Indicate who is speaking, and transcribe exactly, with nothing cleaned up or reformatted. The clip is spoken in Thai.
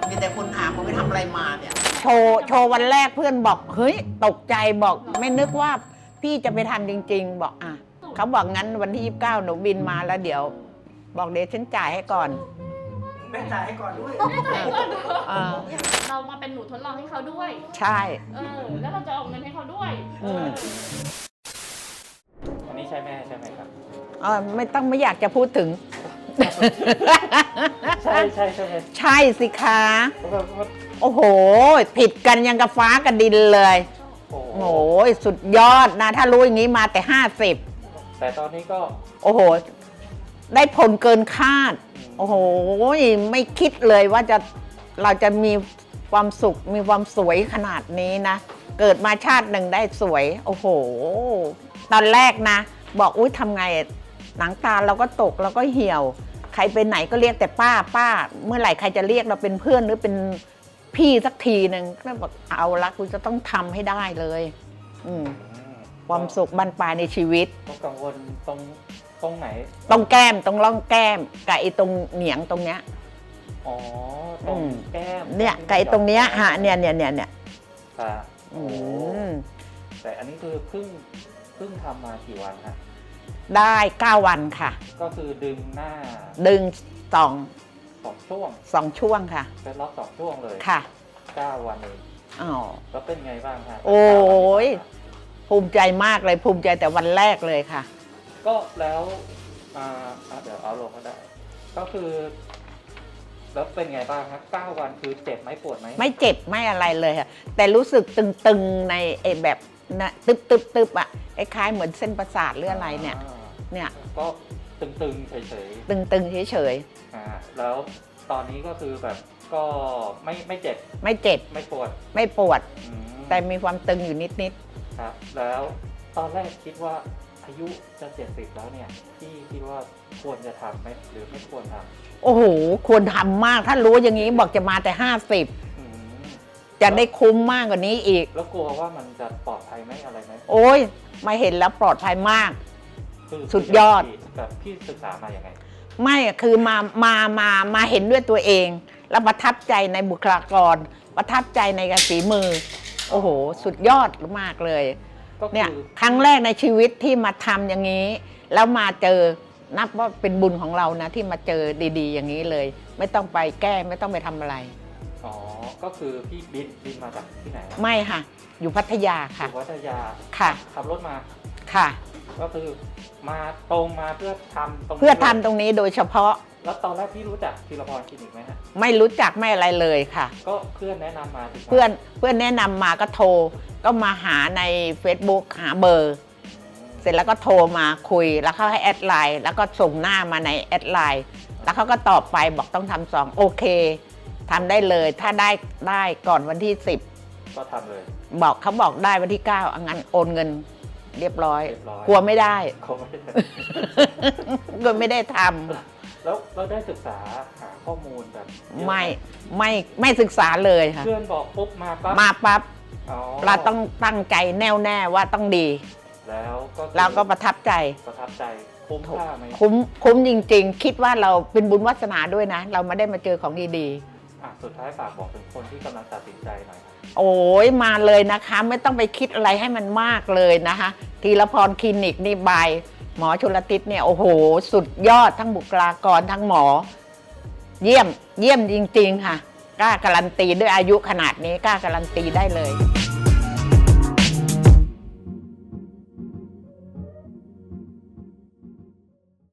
Speaker 1: มีแต่คนถามว่าไปทำอะไรมาเนี่ย
Speaker 2: โชว์โชว์วันแรกเพื่อนบอกเฮ้ยตกใจบอกไม่นึกว่าพี่จะไปทำจริงๆบอกอ่ะเขาบอกงั้นวันที่ยี่สิบเก้าหนูบินมาแล้วเดี๋ยวบอกเดี๋ยวฉันจ่ายให้ก่อน
Speaker 1: แม่จ่ายให้ก่อนด้วย
Speaker 3: เรามาเป็นหนูทดลองให้เขาด้วย
Speaker 2: ใช่
Speaker 3: เออแล้วเราจะออกเงินให้เขาด้วย
Speaker 4: อันนี้ใช่แม่ใช่ไหมครับ
Speaker 2: อ๋อไม่ต้องไม่อยากจะพูดถึง
Speaker 4: ใช่ใช่ใช่
Speaker 2: ใช่สิคะโอ้โหผิดกันยังกับฟ้ากับดินเลยโอ้โหสุดยอดนะถ้ารู้อย่างนี้มาแต่ห้าสิบ
Speaker 4: แต่ตอนนี้ก็
Speaker 2: โอ้โหได้ผลเกินคาดโอ้โหไม่คิดเลยว่าจะเราจะมีความสุขมีความสวยขนาดนี้นะเกิดมาชาติหนึ่งได้สวยโอ้โหตอนแรกนะบอกอุ้ยทำไงหนังตาเราก็ตกเราก็เหี่ยวใครไปไหนก็เรียกแต่ป้าป้าเมื่อไหร่ใครจะเรียกเราเป็นเพื่อนหรือเป็นพี่สักทีหนึ่งก็บอกเอาละกูจะต้องทำให้ได้เลยอืมความสุขบรรปลายในชีวิต
Speaker 4: ต้องกังวลตรงตรงไหน
Speaker 2: ตรงแก้มตรงร่องแก้มกับไอ้ตรงเหนียงตรงเนี้ย
Speaker 4: อ๋อตรงแก้ม
Speaker 2: เนี่ยกับไอ้ตรงเนี้ยฮะเนี่ยเนี่ยเนี่ยเนี่ย
Speaker 4: ค่ะโอ้แต่อันนี้คือเพิ่งเพิ่งทำมากี่วันฮะ
Speaker 2: ได้เก้าวันค่ะ
Speaker 4: ก็คือดึงหน้า
Speaker 2: ดึงสอง
Speaker 4: สองช่วง
Speaker 2: สองช่วงค่ะ
Speaker 4: เป็นล็อกสองช่วงเลย
Speaker 2: ค่ะ
Speaker 4: เก้าวันเอง
Speaker 2: อ๋อ
Speaker 4: แล้วเป็นไงบ้างฮะ
Speaker 2: โอ้ยภูมิใจมากเลยภูมิใจแต่วันแรกเลยค่ะ
Speaker 4: ก็แล้วอ่าเดี๋ยวเอาลงก็ได้ก็คือแล้วเป็นไงบ้างครับเก้าวันคือเจ็บไหมปวดไหม
Speaker 2: ไม่เจ็บไม่อะไรเลยค่ะแต่รู้สึกตึงๆในไอ้แบบนะตึบตึบตึบอ่ะคล้ายๆเหมือนเส้นประสาทหรืออะไรเนี่ยเนี่ย
Speaker 4: ก็ตึงๆเฉย
Speaker 2: ๆตึงๆเฉย
Speaker 4: ๆอ่าแล้วตอนนี้ก็คือแบบก็ไม่ไม่เจ็บ
Speaker 2: ไม่เจ็บ
Speaker 4: ไม่ปวด
Speaker 2: ไม่ปวดแต่มีความตึงอยู่นิด
Speaker 4: ๆครับแล้วตอนแรกคิดว่าอายุจะเจ็ดสิบแล้วเนี่ยที่คิดว่าควรจะทำไหมหรือไม่ควรทำ
Speaker 2: โอ้โหควรทำมากถ้ารู้อย่างนี้บอกจะมาแต่ห้าสิบจะได้คุ้มมากกว่านี้อีก
Speaker 4: แล้วกลัวว่ามันจะปลอดภัยไหมอะไรไหม
Speaker 2: โอ้ยมาเห็นแล้วปลอดภัยมากสุดยอด
Speaker 4: แบบพี่ศึกษามาอย่างไง
Speaker 2: ไม่คือมามามามาเห็นด้วยตัวเองแล้วประทับใจในบุคลากรประทับใจในกระสีมือโอ้โหสุดยอดมากเลยเนี่ยครั้งแรกในชีวิตที่มาทำอย่างนี้แล้วมาเจอนับว่าเป็นบุญของเรานะที่มาเจอดีๆอย่างนี้เลยไม่ต้องไปแก้ไม่ต้องไปทำอะไร
Speaker 4: อ๋อก็คือพี่บินบินมาจากที่ไหน
Speaker 2: ไม่ค่ะอยู่พัทยาค่ะ
Speaker 4: อยู่พัทยา
Speaker 2: ค่ะ
Speaker 4: ขับรถมา
Speaker 2: ค่ะ
Speaker 4: ก็คือมาตรงมาเพื่อทำตรง
Speaker 2: เพื่อทำตรงนี้โดยเฉพาะ
Speaker 4: แล้วตอนแรกพี่รู้จักธีรพรคลินิกไหมฮะ
Speaker 2: ไม่รู้จักไม่อะไรเลยค่ะ
Speaker 4: ก็เพื่อนแนะนำมา
Speaker 2: เพื่อนเพื่อนแนะนำมาก็โทรก็มาหาใน Facebook หาเบอร์เสร็จแล้วก็โทรมาคุยแล้วเขาให้แอดไลน์แล้วก็ส่งหน้ามาในแอดไลน์แล้วเขาก็ตอบไปบอกต้องทำสองโอเคทำได้เลยถ้าได้ได้ก่อนวันที่สิบ
Speaker 4: ก็ทำเลย
Speaker 2: บอกเขาบอกได้วันที่เก้างั้นโอนเงินเรียบร้อยกลัวไม่ได้
Speaker 4: กลัวไม่ได้
Speaker 2: กลัวไม่ได้ท
Speaker 4: ำแล้วเราได้ศึกษาหาข้อมูลแบบ
Speaker 2: ไม่ไม่ไม่ศึกษาเลยค่ะ
Speaker 4: เพื่อนบอกปุ๊บมาปั๊บ
Speaker 2: มาปั๊บเราต้องตั้งใจแน่วแน่ว่าต้องดี
Speaker 4: แล้วก็
Speaker 2: เราก็ประทับใจ
Speaker 4: ประทับใจคุ้มค่าไหม
Speaker 2: คุ้มคุ้มจริงๆคิดว่าเราเป็นบุญวาสนาด้วยนะเราไม่ได้มาเจอของดี
Speaker 4: ๆอ่ะสุดท้ายฝากบอกถึงคนที่กำลังตัดสินใจหน่อย
Speaker 2: โอ้ยมาเลยนะคะไม่ต้องไปคิดอะไรให้มันมากเลยนะคะธีรพรคลินิกนี่บายหมอชลทิศเนี่ยโอ้โหสุดยอดทั้งบุคลากรทั้งหมอเยี่ยมเยี่ยมจริงๆค่ะกล้าการันตีด้วยอายุขนาดนี้กล้าการันตีได้เลย